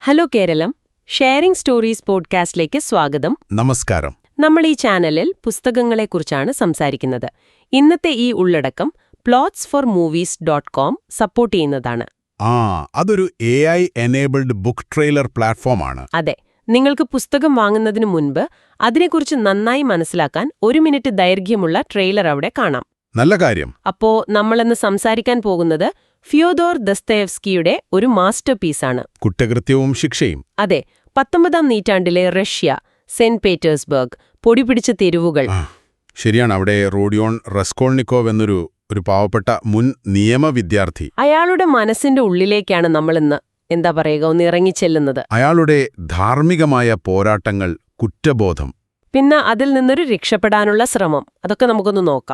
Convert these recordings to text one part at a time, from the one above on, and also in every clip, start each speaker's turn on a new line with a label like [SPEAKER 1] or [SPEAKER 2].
[SPEAKER 1] Hello Keralam, sharing stories പോഡ്കാസ്റ്റിലേക്ക് സ്വാഗതം.
[SPEAKER 2] നമസ്കാരം.
[SPEAKER 1] നമ്മൾ ഈ ചാനലിൽ പുസ്തകങ്ങളെക്കുറിച്ചാണ് സംസാരിക്കുന്നത്. ഇന്നത്തെ ഈ ഉള്ളടക്കം plotsformovies.com സപ്പോർട്ട് ചെയ്യുന്നതാണ്.
[SPEAKER 2] അതൊരു AI എനേബിൾഡ് ബുക്ക് ട്രെയിലർ പ്ലാറ്റ്ഫോമാണ്.
[SPEAKER 1] അതെ, നിങ്ങൾക്ക് പുസ്തകം വാങ്ങുന്നതിന് മുൻപ് അതിനെക്കുറിച്ച് നന്നായി മനസ്സിലാക്കാൻ 1 മിനിറ്റ് ദൈർഘ്യമുള്ള ട്രെയിലർ അവിടെ കാണാം.
[SPEAKER 2] നല്ല കാര്യം.
[SPEAKER 1] അപ്പോ നമ്മളിന്ന് സംസാരിക്കാൻ പോകുന്നത് ഫിയോദോർ ദസ്തയേവ്സ്കിയുടെ ഒരു മാസ്റ്റർ പീസാണ്.
[SPEAKER 2] കുറ്റകൃത്യവും ശിക്ഷയും.
[SPEAKER 1] അതെ, 19-ാം നൂറ്റാണ്ടിലെ റഷ്യ, സെന്റ് പീറ്റേഴ്സ്ബർഗ്, പൊടിപിടിച്ച തെരുവുകൾ.
[SPEAKER 2] ശരിയാണ്. അവിടെ റോഡിയോൺ റസ്കോൾനിക്കോവ് എന്നൊരു പാവപ്പെട്ട മുൻ നിയമ വിദ്യാർത്ഥി.
[SPEAKER 1] അയാളുടെ മനസ്സിന്റെ ഉള്ളിലേക്കാണ് നമ്മളിന്ന് ഒന്ന് ഇറങ്ങിച്ചെല്ലുന്നത്.
[SPEAKER 2] അയാളുടെ ധാർമ്മികമായ പോരാട്ടങ്ങൾ, കുറ്റബോധം,
[SPEAKER 1] പിന്നെ അതിൽ നിന്നൊരു രക്ഷപ്പെടാനുള്ള ശ്രമം, അതൊക്കെ നമുക്കൊന്ന് നോക്കാം.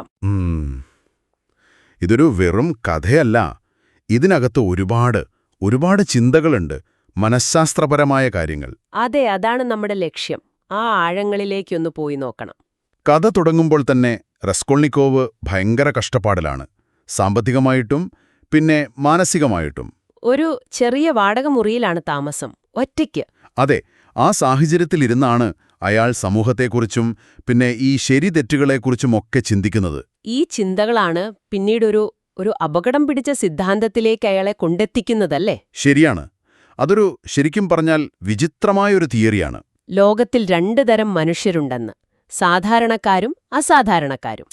[SPEAKER 2] ഇതൊരു വെറും കഥയല്ല. ഇതിനകത്ത് ഒരുപാട് ചിന്തകളുണ്ട്, മനഃശാസ്ത്രപരമായ കാര്യങ്ങൾ.
[SPEAKER 1] അതെ, അതാണ് നമ്മുടെ ലക്ഷ്യം. ആ ആഴങ്ങളിലേക്കൊന്ന് പോയി നോക്കണം.
[SPEAKER 2] കഥ തുടങ്ങുമ്പോൾ തന്നെ റസ്കോൾനിക്കോവ് ഭയങ്കര കഷ്ടപ്പാടിലാണ്, സാമ്പത്തികമായിട്ടും പിന്നെ മാനസികമായിട്ടും.
[SPEAKER 1] ഒരു ചെറിയ വാടക മുറിയിലാണ് താമസം, ഒറ്റയ്ക്ക്.
[SPEAKER 2] അതെ, ആ സാഹചര്യത്തിലിരുന്നാണ് അയാൾ സമൂഹത്തെക്കുറിച്ചും പിന്നെ ഈ ശരി തെറ്റുകളെക്കുറിച്ചുമൊക്കെ ചിന്തിക്കുന്നത്.
[SPEAKER 1] ഈ ചിന്തകളാണ് പിന്നീടൊരു അപകടം പിടിച്ച സിദ്ധാന്തത്തിലേക്ക് അയാളെ കൊണ്ടെത്തിക്കുന്നതല്ലേ?
[SPEAKER 2] ശരിയാണ്. അതൊരു ശരിക്കും പറഞ്ഞാൽ വിചിത്രമായൊരു തിയറിയാണ്.
[SPEAKER 1] ലോകത്തിൽ 2 തരം മനുഷ്യരുണ്ടെന്ന്, സാധാരണക്കാരും അസാധാരണക്കാരും.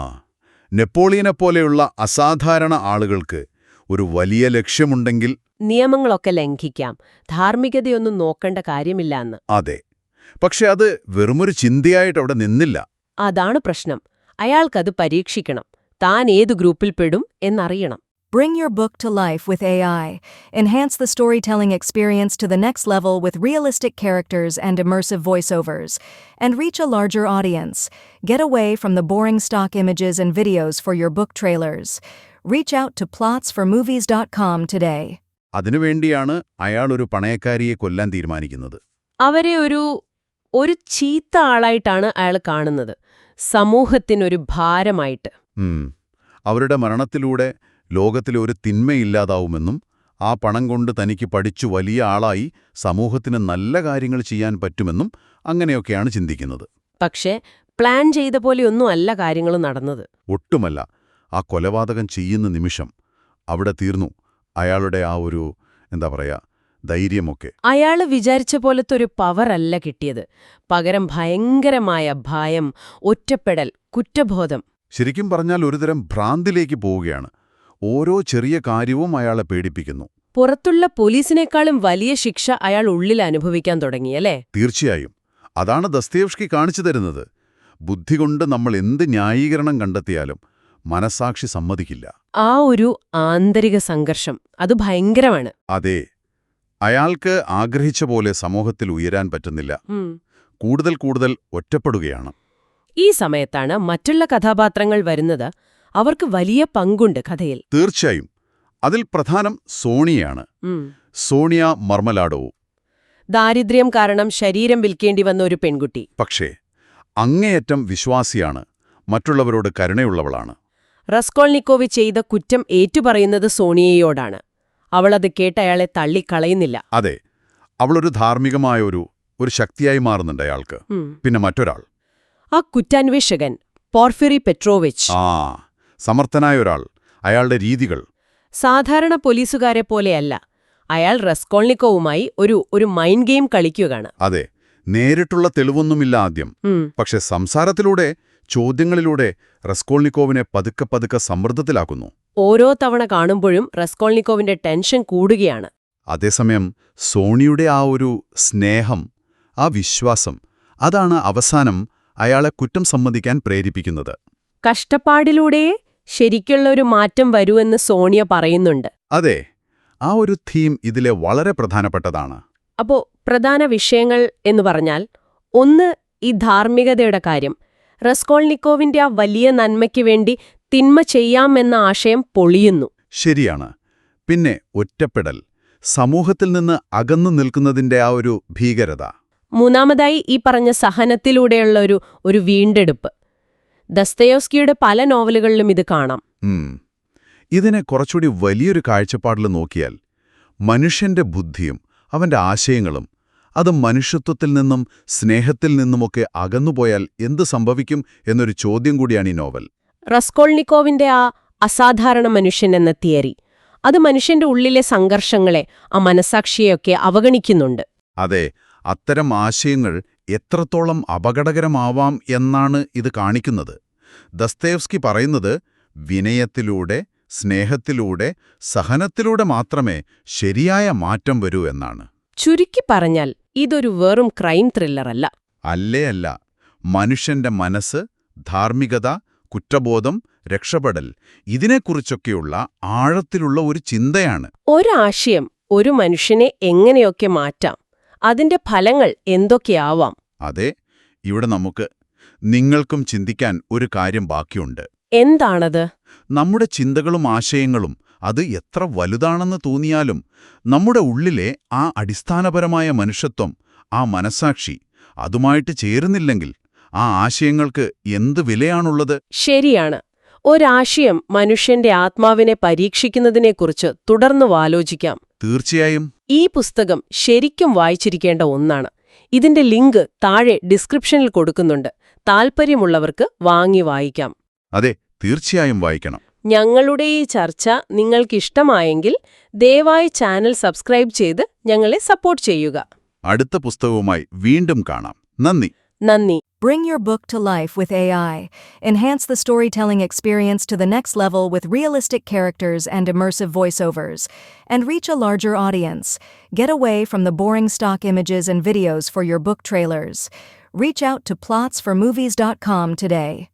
[SPEAKER 2] നെപ്പോളിയനെപ്പോലെയുള്ള അസാധാരണ ആളുകൾക്ക് ഒരു വലിയ ലക്ഷ്യമുണ്ടെങ്കിൽ
[SPEAKER 1] നിയമങ്ങളൊക്കെ ലംഘിക്കാം, ധാർമ്മികതയൊന്നും നോക്കേണ്ട കാര്യമില്ല എന്ന്.
[SPEAKER 2] അതെ, പക്ഷെ അത് വെറുമൊരു ചിന്തയായിട്ടവിടെ നിന്നില്ല.
[SPEAKER 1] അതാണ് പ്രശ്നം. അയാൾക്കത് പരീക്ഷിക്കണം, താൻ ഏതു ഗ്രൂപ്പിൽ പെടും എന്നറിയണം.
[SPEAKER 3] Bring your book to life with AI. Enhance the storytelling experience to the next level with realistic characters and immersive voiceovers. And reach a larger audience. Get away from the boring stock images and videos for your book trailers. Reach out to plotsformovies.com today.
[SPEAKER 2] അതിനുവേണ്ടിയാണ് അയാൾ ഒരു പണയക്കാരിയെ കൊല്ലാൻ തീരുമാനിക്കുന്നത്.
[SPEAKER 1] അവരെ ഒരു ചീത്ത ആളായിട്ടാണ് അയാൾ കാണുന്നത്, സമൂഹത്തിനൊരു ഭാരമായിട്ട്.
[SPEAKER 2] അവരുടെ മരണത്തിലൂടെ ലോകത്തിലെ ഒരു തിന്മയില്ലാതാവുമെന്നും ആ പണം കൊണ്ട് തനിക്ക് പഠിച്ചു വലിയ ആളായി സമൂഹത്തിന് നല്ല കാര്യങ്ങൾ ചെയ്യാൻ പറ്റുമെന്നും അങ്ങനെയൊക്കെയാണ് ചിന്തിക്കുന്നത്.
[SPEAKER 1] പക്ഷേ പ്ലാൻ ചെയ്ത പോലെയൊന്നും അല്ല കാര്യങ്ങൾ നടന്നത്.
[SPEAKER 2] ഒട്ടുമല്ല. ആ കൊലപാതകം ചെയ്യുന്ന നിമിഷം അവിടെ തീർന്നു അയാളുടെ ആ ഒരു ധൈര്യമൊക്കെ.
[SPEAKER 1] അയാള് വിചാരിച്ച പോലത്തെ ഒരു പവറല്ല കിട്ടിയത്, പകരം ഭയങ്കരമായ ഭയം, ഒറ്റപ്പെടൽ, കുറ്റബോധം.
[SPEAKER 2] ശരിക്കും പറഞ്ഞാൽ ഒരുതരം ഭ്രാന്തിലേക്ക് പോവുകയാണ്. ഓരോ ചെറിയ കാര്യവും അയാളെ പേടിപ്പിക്കുന്നു.
[SPEAKER 1] പുറത്തുള്ള പോലീസിനേക്കാളും വലിയ ശിക്ഷ അയാൾ ഉള്ളിൽ അനുഭവിക്കാൻ തുടങ്ങിയല്ലേ?
[SPEAKER 2] തീർച്ചയായും. അതാണ് ദസ്തയേവ്സ്കി കാണിച്ചു തരുന്നത്. ബുദ്ധി കൊണ്ട് നമ്മൾ എന്ത് ന്യായീകരണം കണ്ടെത്തിയാലും മനസാക്ഷി സമ്മതിക്കില്ല.
[SPEAKER 1] ആ ഒരു ആന്തരിക സംഘർഷം, അത് ഭയങ്കരമാണ്.
[SPEAKER 2] അതെ, അയാൾക്ക് ആഗ്രഹിച്ച പോലെ സമൂഹത്തിൽ ഉയരാൻ പറ്റുന്നില്ല, കൂടുതൽ ഒറ്റപ്പെടുകയാണ്.
[SPEAKER 1] ഈ സമയത്താണ് മറ്റുള്ള കഥാപാത്രങ്ങൾ വരുന്നത്. അവർക്ക് വലിയ പങ്കുണ്ട് കഥയിൽ.
[SPEAKER 2] തീർച്ചയായും. അതിൽ പ്രധാനം സോണിയാണ്. സോണിയ മർമലാഡോവ്.
[SPEAKER 1] ദാരിദ്ര്യം കാരണം ശരീരം വിൽക്കേണ്ടി വന്ന ഒരു പെൺകുട്ടി.
[SPEAKER 2] പക്ഷേ അങ്ങേയറ്റം വിശ്വാസിയാണ്, മറ്റുള്ളവരോട് കരുണയുള്ളവളാണ്.
[SPEAKER 1] റസ്കോൾനിക്കോവ് ചെയ്ത കുറ്റം ഏറ്റുപറയുന്നത് സോണിയയോടാണ്. അവളത് കേട്ട് അയാളെ തള്ളിക്കളയുന്നില്ല.
[SPEAKER 2] അതെ, അവളൊരു ധാർമ്മികമായ ഒരു ശക്തിയായി മാറുന്നുണ്ട് അയാൾക്ക്. പിന്നെ മറ്റൊരാൾ,
[SPEAKER 1] ആ കുറ്റാന്വേഷകൻ പോർഫിറി പെട്രോവിച്ച്.
[SPEAKER 2] സമർത്ഥനായ ഒരാൾ. അയാളുടെ രീതികൾ
[SPEAKER 1] സാധാരണ പോലീസുകാരെ പോലെയല്ല. അയാൾ റസ്കോൾനിക്കോവുമായി ഒരു മൈൻഡ് ഗെയിം കളിക്കുകയാണ്.
[SPEAKER 2] അതെ, നേരിട്ടുള്ള തെളിവൊന്നുമില്ല ആദ്യം. പക്ഷെ സംസാരത്തിലൂടെ, ചോദ്യങ്ങളിലൂടെ റസ്കോൾനിക്കോവിനെ പതുക്കെ സമ്മർദ്ദത്തിലാക്കുന്നു.
[SPEAKER 1] ഓരോ തവണ കാണുമ്പോഴും റസ്കോൾനിക്കോവിന്റെ ടെൻഷൻ കൂടുകയാണ്.
[SPEAKER 2] അതേസമയം സോണിയുടെ ആ ഒരു സ്നേഹം, ആ വിശ്വാസം, അതാണ് അവസാനം അയാളെ കുറ്റം സമ്മതിക്കാൻ പ്രേരിപ്പിക്കുന്നത്.
[SPEAKER 1] കഷ്ടപ്പാടിലൂടെ ശരിക്കുള്ള ഒരു മാറ്റം വരുമെന്ന് സോണിയ പറയുന്നുണ്ട്.
[SPEAKER 2] അതെ, ആ ഒരു തീം ഇതിലെ വളരെ പ്രധാനപ്പെട്ടതാണ്.
[SPEAKER 1] അപ്പോ പ്രധാന വിഷയങ്ങൾ എന്ന് പറഞ്ഞാൽ, ഒന്ന് ഈ ധാർമ്മികതയുടെ കാര്യം. റസ്കോൾനിക്കോവിന്റെ ആ വലിയ നന്മയ്ക്ക് വേണ്ടി തിന്മ ചെയ്യാമെന്ന ആശയം പൊളിയുന്നു.
[SPEAKER 2] ശരിയാണ്. പിന്നെ ഒറ്റപ്പെടൽ, സമൂഹത്തിൽ നിന്ന് അകന്നു നിൽക്കുന്നതിന്റെ ആ ഒരു ഭീകരത.
[SPEAKER 1] മൂന്നാമതായി ഈ പറഞ്ഞ സഹനത്തിലൂടെയുള്ള ഒരു വീണ്ടെടുപ്പ്. ദസ്തയേവ്സ്കിയുടെ പല നോവലുകളിലും ഇത് കാണാം.
[SPEAKER 2] ഇതിനെ കുറച്ചുകൂടി വലിയൊരു കാഴ്ചപ്പാടിൽ നോക്കിയാൽ മനുഷ്യന്റെ ബുദ്ധിയും അവന്റെ ആശയങ്ങളും അത് മനുഷ്യത്വത്തിൽ നിന്നും സ്നേഹത്തിൽ നിന്നുമൊക്കെ അകന്നുപോയാൽ എന്ത് സംഭവിക്കും എന്നൊരു ചോദ്യം കൂടിയാണ് ഈ നോവൽ.
[SPEAKER 1] റസ്കോൾനിക്കോവിന്റെ ആ അസാധാരണ മനുഷ്യൻ എന്ന തിയറി അത് മനുഷ്യന്റെ ഉള്ളിലെ സംഘർഷങ്ങളെ, ആ മനസാക്ഷിയെയൊക്കെ അവഗണിക്കുന്നുണ്ട്.
[SPEAKER 2] അതെ, അത്തരം ആശയങ്ങൾ എത്രത്തോളം അപകടകരമാവാം എന്നാണ് ഇത് കാണിക്കുന്നത്. ദസ്തയേവ്സ്കി പറയുന്നത് വിനയത്തിലൂടെ, സ്നേഹത്തിലൂടെ, സഹനത്തിലൂടെ മാത്രമേ ശരിയായ മാറ്റം വരൂ എന്നാണ്.
[SPEAKER 1] ചുരുക്കി പറഞ്ഞാൽ ഇതൊരു വെറും ക്രൈം ത്രില്ലറല്ല.
[SPEAKER 2] അല്ല. മനുഷ്യന്റെ മനസ്സ്, ധാർമ്മികത, കുറ്റബോധം, രക്ഷപ്പെടൽ ഇതിനെക്കുറിച്ചൊക്കെയുള്ള ആഴത്തിലുള്ള ഒരു ചിന്തയാണ്.
[SPEAKER 1] ഒരാശയം ഒരു മനുഷ്യനെ എങ്ങനെയൊക്കെ മാറ്റാം, അതിന്റെ ഫലങ്ങൾ എന്തൊക്കെയാവാം.
[SPEAKER 2] അതെ, ഇവിടെ നിങ്ങൾക്കും ചിന്തിക്കാൻ ഒരു കാര്യം ബാക്കിയുണ്ട്.
[SPEAKER 1] എന്താണത്?
[SPEAKER 2] നമ്മുടെ ചിന്തകളും ആശയങ്ങളും അത് എത്ര വലുതാണെന്ന് തോന്നിയാലും നമ്മുടെ ഉള്ളിലെ ആ അടിസ്ഥാനപരമായ മനുഷ്യത്വം, ആ മനസാക്ഷി അതുമായിട്ട് ചേരുന്നില്ലെങ്കിൽ ആ ആശയങ്ങൾക്ക് എന്ത് വിലയാണുള്ളത്?
[SPEAKER 1] ശരിയാണ്. ഒരാശയം മനുഷ്യന്റെ ആത്മാവിനെ പരീക്ഷിക്കുന്നതിനെക്കുറിച്ച് തുടർന്നു ആലോചിക്കാം.
[SPEAKER 2] തീർച്ചയായും.
[SPEAKER 1] ഈ പുസ്തകം ശരിക്കും വായിച്ചിരിക്കേണ്ട ഒന്നാണ്. ഇതിന്റെ ലിങ്ക് താഴെ ഡിസ്ക്രിപ്ഷനിൽ കൊടുക്കുന്നുണ്ട്. താൽപ്പര്യമുള്ളവർക്ക് വാങ്ങി വായിക്കാം.
[SPEAKER 2] അതെ, തീർച്ചയായും വായിക്കണം.
[SPEAKER 1] ഞങ്ങളുടെ ഈ ചർച്ച നിങ്ങൾക്കിഷ്ടമായെങ്കിൽ ദയവായി ചാനൽ സബ്സ്ക്രൈബ് ചെയ്ത് ഞങ്ങളെ സപ്പോർട്ട് ചെയ്യുക.
[SPEAKER 2] അടുത്ത പുസ്തകവുമായി വീണ്ടും കാണാം. നന്ദി.
[SPEAKER 3] Bring your book to life with AI. Enhance the storytelling experience to the next level with realistic characters and immersive voiceovers. And reach a larger audience. Get away from the boring stock images and videos for your book trailers. Reach out to plotsformovies.com today.